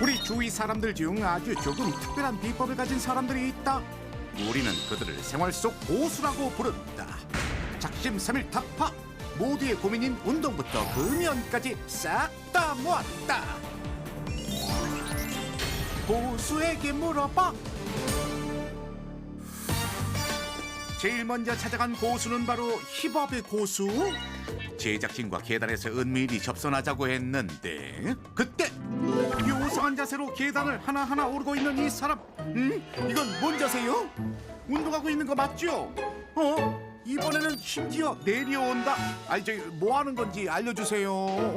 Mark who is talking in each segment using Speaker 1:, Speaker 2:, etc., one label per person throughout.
Speaker 1: 우리 주위 사람들 중 아주 조금 특별한 비법을 가진 사람들이 있다. 우리는 그들을 생활 속 고수라고 부른다. 작심삼일타파 모두의 고민인 운동부터 금연까지 싹 다 모았다. 고수에게 물어봐. 제일 먼저 찾아간 고수는 바로 힙업의 고수. 제작진과 계단에서 은밀히 접선하자고 했는데 그때 요상한 자세로 계단을 하나하나 오르고 있는 이 사람. 이건 뭔 자세요? 운동하고 있는 거 맞죠? 이번에는 심지어 내려온다. 아니 저기 뭐 하는 건지 알려주세요.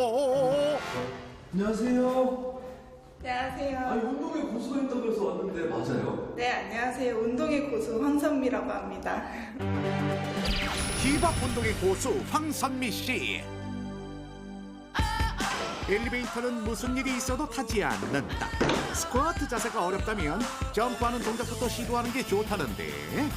Speaker 2: 안녕하세요.
Speaker 3: 안녕하세요.
Speaker 2: 아니 운동에 고수가 있다고 해서 왔는데 맞아요?
Speaker 3: 네, 안녕하세요. 운동의 고수 황선미라고 합니다.
Speaker 1: 힙업 운동의 고수 황선미 씨. 엘리베이터는 무슨 일이 있어도 타지 않는다. 스쿼트 자세가 어렵다면 점프하는 동작부터 시도하는 게 좋다는데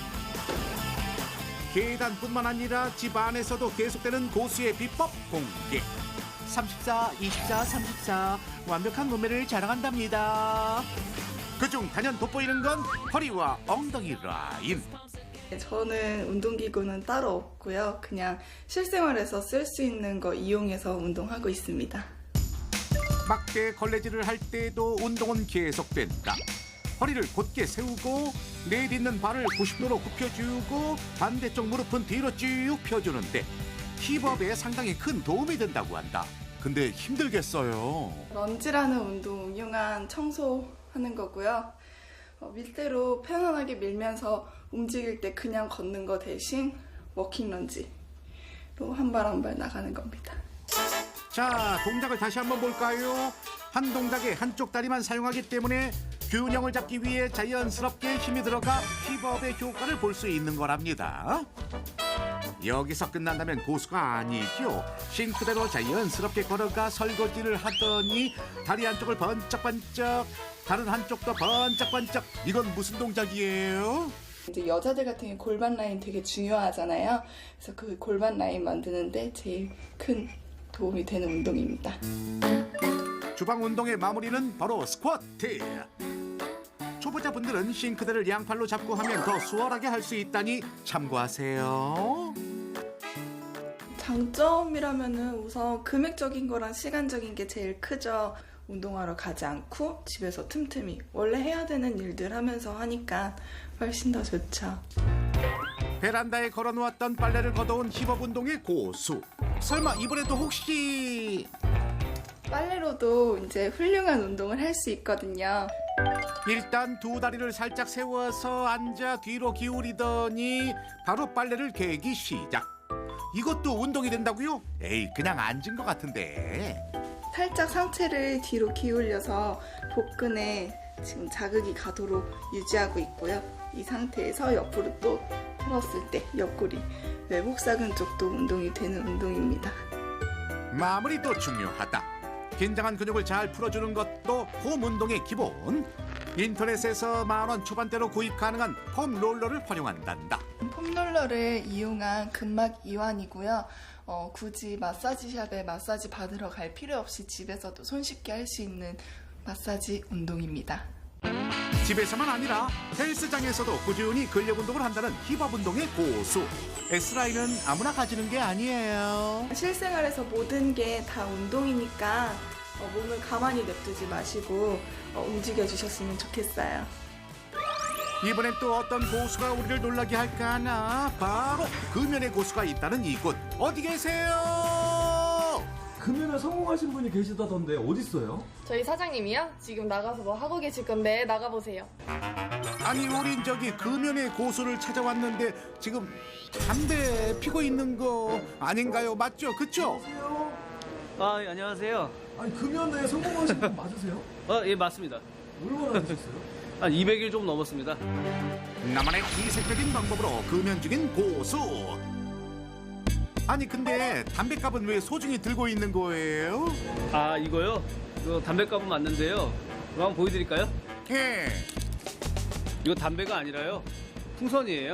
Speaker 1: 계단뿐만 아니라 집 안에서도 계속되는 고수의 비법 공개. 34, 24, 34 완벽한 몸매를 자랑한답니다. 그중 단연 돋보이는 건 허리와 엉덩이 라인.
Speaker 3: 저는 운동기구는 따로 없고요. 그냥 실생활에서 쓸 수 있는 거 이용해서 운동하고 있습니다.
Speaker 1: 막대 걸레질을 할 때도 운동은 계속된다. 허리를 곧게 세우고 내딛는 발을 90도로 굽혀주고 반대쪽 무릎은 뒤로 쭉 펴주는데 힙업에 상당히 큰 도움이 된다고 한다. 근데 힘들겠어요.
Speaker 3: 런지라는 운동 융한 청소하는 거고요. 밀대로 편안하게 밀면서 움직일 때 그냥 걷는 거 대신 워킹 런지로 한 발 한 발 나가는 겁니다.
Speaker 1: 자, 동작을 다시 한번 볼까요? 한 동작에 한쪽 다리만 사용하기 때문에 균형을 잡기 위해 자연스럽게 힘이 들어가 힙업의 효과를 볼 수 있는 거랍니다. 여기서 끝난다면 고수가 아니죠. 싱크대로 자연스럽게 걸어가 설거지를 하더니 다리 한쪽을 번쩍번쩍, 다른 한쪽도 번쩍번쩍. 이건 무슨 동작이에요?
Speaker 3: 이제 여자들 같은 경우 골반 라인 되게 중요하잖아요. 그래서 그 골반 라인 만드는데 제일 큰 도움이 되는 운동입니다.
Speaker 1: 주방 운동의 마무리는 바로 스쿼트. 초보자분들은 싱크대를 양팔로 잡고 하면 더 수월하게 할 수 있다니 참고하세요.
Speaker 3: 장점이라면은 우선 금액적인 거랑 시간적인 게 제일 크죠. 운동하러 가지 않고 집에서 틈틈이 원래 해야 되는 일들 하면서 하니까 훨씬 더 좋죠.
Speaker 1: 베란다에 걸어놓았던 빨래를 걷어온 힙업 운동의 고수. 설마 이번에도 혹시
Speaker 3: 빨래로도 이제 훌륭한 운동을 할 수 있거든요.
Speaker 1: 일단 두 다리를 살짝 세워서 앉아 뒤로 기울이더니 바로 빨래를 개기 시작. 이것도 운동이 된다고요? 에이, 그냥 앉은 것 같은데.
Speaker 3: 살짝 상체를 뒤로 기울여서 복근에 지금 자극이 가도록 유지하고 있고요. 이 상태에서 옆으로 또 틀었을 때 옆구리, 외복사근 쪽도 운동이 되는 운동입니다.
Speaker 1: 마무리도 중요하다. 긴장한 근육을 잘 풀어주는 것도 홈 운동의 기본. 인터넷에서 10,000원 초반대로 구입 가능한 폼 롤러를 활용한단다.
Speaker 3: 폼롤러를 이용한 근막 이완이고요. 굳이 마사지샵에 마사지 받으러 갈 필요 없이 집에서도 손쉽게 할 수 있는 마사지 운동입니다.
Speaker 1: 집에서만 아니라 헬스장에서도 꾸준히 근력 운동을 한다는 힙업 운동의 고수. S라인은 아무나 가지는 게 아니에요.
Speaker 3: 실생활에서 모든 게 다 운동이니까 몸을 가만히 냅두지 마시고 움직여 주셨으면 좋겠어요.
Speaker 1: 이번엔 또 어떤 고수가 우리를 놀라게 할까 하나. 바로 금연의 고수가 있다는 이곳. 어디 계세요?
Speaker 2: 금연에 성공하신 분이 계시다던데 어디 있어요?
Speaker 4: 저희 사장님이요? 지금 나가서 뭐 하고 계실 건데 나가보세요.
Speaker 1: 아니 우린 저기 금연의 고수를 찾아왔는데 지금 담배 피고 있는 거 아닌가요? 맞죠? 그쵸?
Speaker 2: 안녕하세요.
Speaker 5: 아, 예, 안녕하세요.
Speaker 2: 아니 금연에 성공하신 분 맞으세요?
Speaker 5: 예, 맞습니다.
Speaker 2: 얼마나 하셨어요?
Speaker 5: 한 200일 좀 넘었습니다.
Speaker 1: 나만의 이색적인 방법으로 금연 중인 고수. 아니 근데 담배값은 왜 소중히 들고 있는 거예요?
Speaker 5: 아, 이거요? 이거 담배값은 맞는데요. 이거 한번 보여드릴까요?
Speaker 1: 예.
Speaker 5: 이거 담배가 아니라요. 풍선이에요.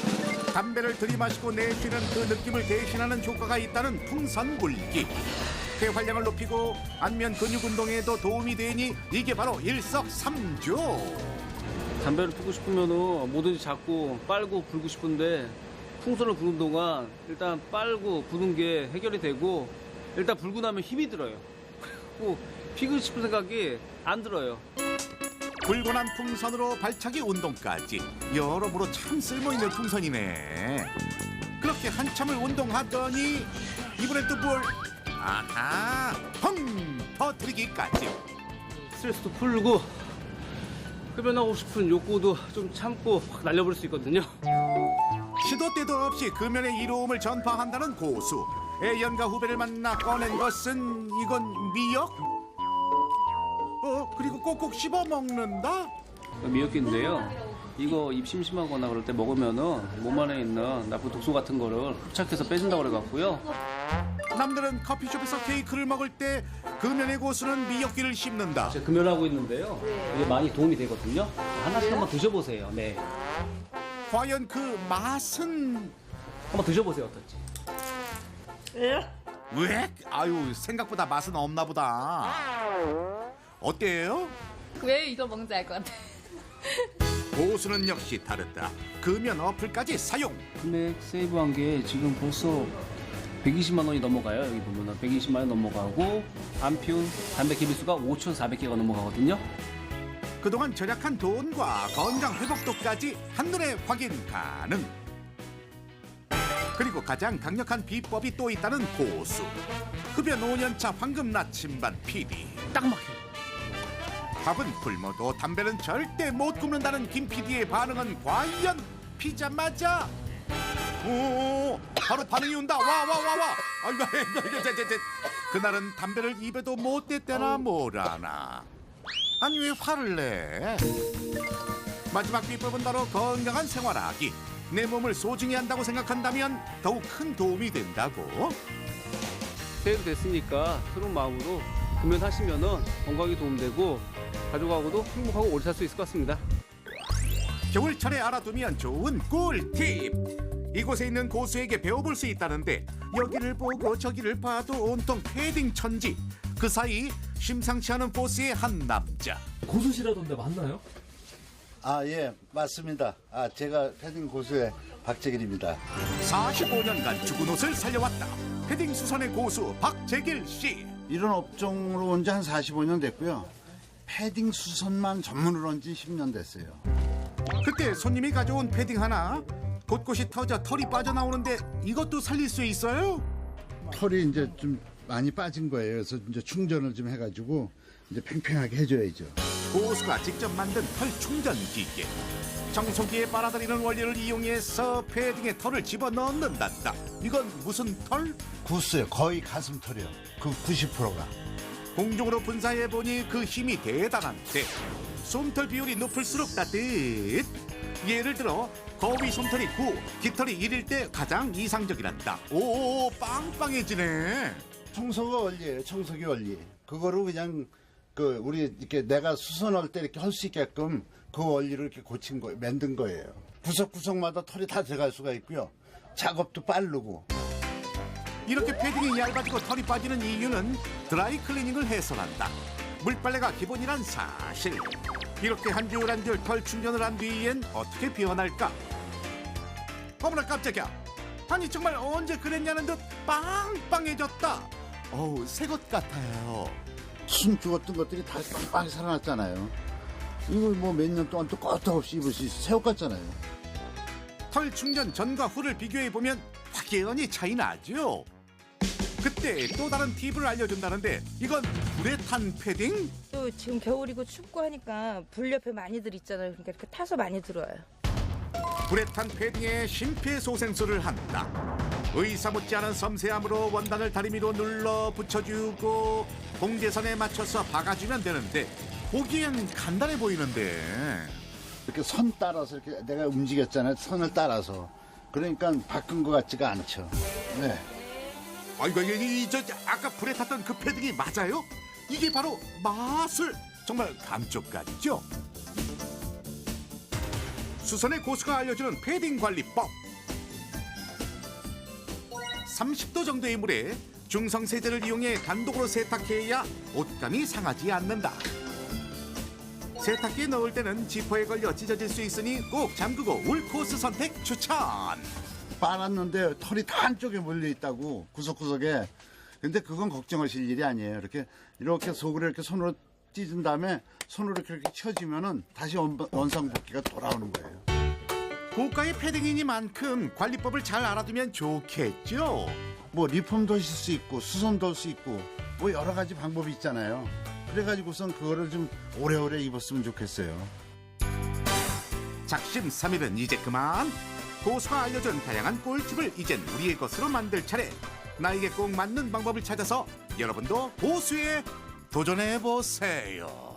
Speaker 1: 담배를 들이마시고 내쉬는 그 느낌을 대신하는 효과가 있다는 풍선 불기. 폐활량을 높이고 안면 근육 운동에도 도움이 되니 이게 바로 일석삼조.
Speaker 5: 담배를 피고 싶으면은 뭐든지 자꾸 빨고 불고 싶은데 풍선을 부는 동안 일단 빨고 부는 게 해결이 되고 일단 불고 나면 힘이 들어요. 그리고 피고 싶은 생각이 안 들어요.
Speaker 1: 불고 난 풍선으로 발차기 운동까지 여러모로 참 쓸모있는 풍선이네. 그렇게 한참을 운동하더니 이번엔 또 뭘? 아하, 펑 터뜨리기까지.
Speaker 5: 스트레스도 풀고 흡연하고 싶은 욕구도 좀 참고 확 날려버릴 수 있거든요.
Speaker 1: 시도 때도 없이 금연의 이로움을 전파한다는 고수. 애연가 후배를 만나 꺼낸 것은 이건 미역? 그리고 꼭꼭 씹어 먹는다?
Speaker 5: 미역기인데요. 이거 입 심심하거나 그럴 때 먹으면은 몸 안에 있는 나쁜 독소 같은 거를 흡착해서 빼준다고 그래갖고요.
Speaker 1: 남들은 커피숍에서 케이크를 먹을 때 금연의 고수는 미역기를 씹는다.
Speaker 5: 제가 금연하고 있는데요. 이게 많이 도움이 되거든요. 하나씩 한번 드셔보세요. 네.
Speaker 1: 과연 그 맛은?
Speaker 5: 한번 드셔보세요. 어떨지.
Speaker 1: 왜? 아유, 생각보다 맛은 없나 보다. 어때요?
Speaker 4: 왜 이거 먹는지 알 것 같아.
Speaker 1: 고수는 역시 다르다. 금연 어플까지 사용.
Speaker 5: 금액 세이브한 게 지금 벌써 120만 원이 넘어가요. 여기 보면은 120만 원 넘어가고 안 피운 담배 개비수가 5,400개가 넘어가거든요.
Speaker 1: 그동안 절약한 돈과 건강 회복도까지 한눈에 확인 가능. 그리고 가장 강력한 비법이 또 있다는 고수. 흡연 5년차 황금 나침반 PD.
Speaker 5: 딱 막혀요.
Speaker 1: 밥은 굶어도 담배는 절대 못 굶는다는 김 PD의 반응은 과연 피자 맞아? 오, 바로 반응이 온다. 와. 아이고, 그날은 담배를 입에도 못 댔대나 뭐라나. 아니 왜 화를 내? 마지막 비법은 바로 건강한 생활하기. 내 몸을 소중히 한다고 생각한다면 더욱 큰 도움이 된다고.
Speaker 5: 세이브 됐으니까 새로운 마음으로 금연하시면은 건강에 도움되고 가족하고도 행복하고 오래 살 수 있을 것 같습니다.
Speaker 1: 겨울철에 알아두면 좋은 꿀팁. 이곳에 있는 고수에게 배워볼 수 있다는데 여기를 보고 저기를 봐도 온통 패딩 천지. 그 사이 심상치 않은 포스의 한 남자.
Speaker 2: 고수시라던데 맞나요?
Speaker 6: 아, 예, 맞습니다. 제가 패딩 고수의 박재길입니다.
Speaker 1: 45년간 죽은 옷을 살려왔다. 패딩 수선의 고수 박재길 씨.
Speaker 6: 이런 업종으로 온 지 한 45년 됐고요. 패딩 수선만 전문으로 한 지 10년 됐어요.
Speaker 1: 그때 손님이 가져온 패딩 하나 곳곳이 터져 털이 빠져나오는데 이것도 살릴 수 있어요?
Speaker 6: 털이 이제 좀 많이 빠진 거예요. 그래서 이제 충전을 좀 해가지고 이제 팽팽하게 해줘야죠.
Speaker 1: 고수가 직접 만든 털 충전 기계. 청소기에 빨아들이는 원리를 이용해서 패딩에 털을 집어넣는단다. 이건 무슨 털?
Speaker 6: 구스요. 거의 가슴 털이요. 그 90%가.
Speaker 1: 공중으로 분사해보니 그 힘이 대단한데 솜털 비율이 높을수록 따뜻. 예를 들어 거위 솜털이 9, 깃털이 1일 때 가장 이상적이란다. 오, 빵빵해지네.
Speaker 6: 청소가 원리예요. 청소기 원리. 그거를 그냥 그 우리 이렇게 내가 수선할 때 이렇게 할 수 있게끔 그 원리를 이렇게 고친 거예요. 만든 거예요. 구석구석마다 털이 다 들어갈 수가 있고요. 작업도 빠르고.
Speaker 1: 이렇게 패딩이 얇아지고 털이 빠지는 이유는 드라이 클리닝을 해서란다. 물빨래가 기본이란 사실. 이렇게 한 줄 한 줄 털 충전을 한 뒤엔 어떻게 변할까? 어머나 깜짝이야. 아니 정말 언제 그랬냐는 듯 빵빵해졌다. 어우, 새 것 같아요.
Speaker 6: 숨 죽었던 것들이 다 빵빵히 살아났잖아요. 이걸 뭐 몇 년 동안 또 껐다없이 입을 수 있어. 새 옷 같잖아요.
Speaker 1: 털 충전 전과 후를 비교해보면 확연히 차이 나죠. 그때 또 다른 팁을 알려준다는데 이건 불에 탄 패딩?
Speaker 7: 또 지금 겨울이고 춥고 하니까 불 옆에 많이들 있잖아요. 그러니까 이렇게 타서 많이 들어와요.
Speaker 1: 불에 탄 패딩에 심폐소생술을 한다. 의사 못지않은 섬세함으로 원단을 다리미로 눌러 붙여주고 공제선에 맞춰서 박아주면 되는데 보기엔 간단해 보이는데
Speaker 6: 이렇게 선 따라서 이렇게 내가 움직였잖아요. 선을 따라서. 그러니까 바꾼 것 같지가 않죠. 네.
Speaker 1: 아이고 저 아까 불에 탔던 그 패딩이 맞아요? 이게 바로 마술. 정말 감쪽같죠? 수선의 고수가 알려주는 패딩 관리법. 30도 정도의 물에 중성세제를 이용해 단독으로 세탁해야 옷감이 상하지 않는다. 세탁기에 넣을 때는 지퍼에 걸려 찢어질 수 있으니 꼭 잠그고 울 코스 선택 추천.
Speaker 6: 빨았는데 털이 다 한쪽에 몰려 있다고 구석구석에. 근데 그건 걱정하실 일이 아니에요. 이렇게 속으로 이렇게 손으로 찢은 다음에 손으로 이렇게 쳐주면은 다시 원상복귀가 돌아오는 거예요.
Speaker 1: 고가의 패딩이니만큼 관리법을 잘 알아두면 좋겠죠.
Speaker 6: 뭐 리폼도 하실 수 있고 수선도 할 수 있고 뭐 여러 가지 방법이 있잖아요. 그래가지고선 그거를 좀 오래오래 입었으면 좋겠어요.
Speaker 1: 작심 삼일은 이제 그만. 고수가 알려준 다양한 꿀팁을 이젠 우리의 것으로 만들 차례. 나에게 꼭 맞는 방법을 찾아서 여러분도 고수에 도전해보세요.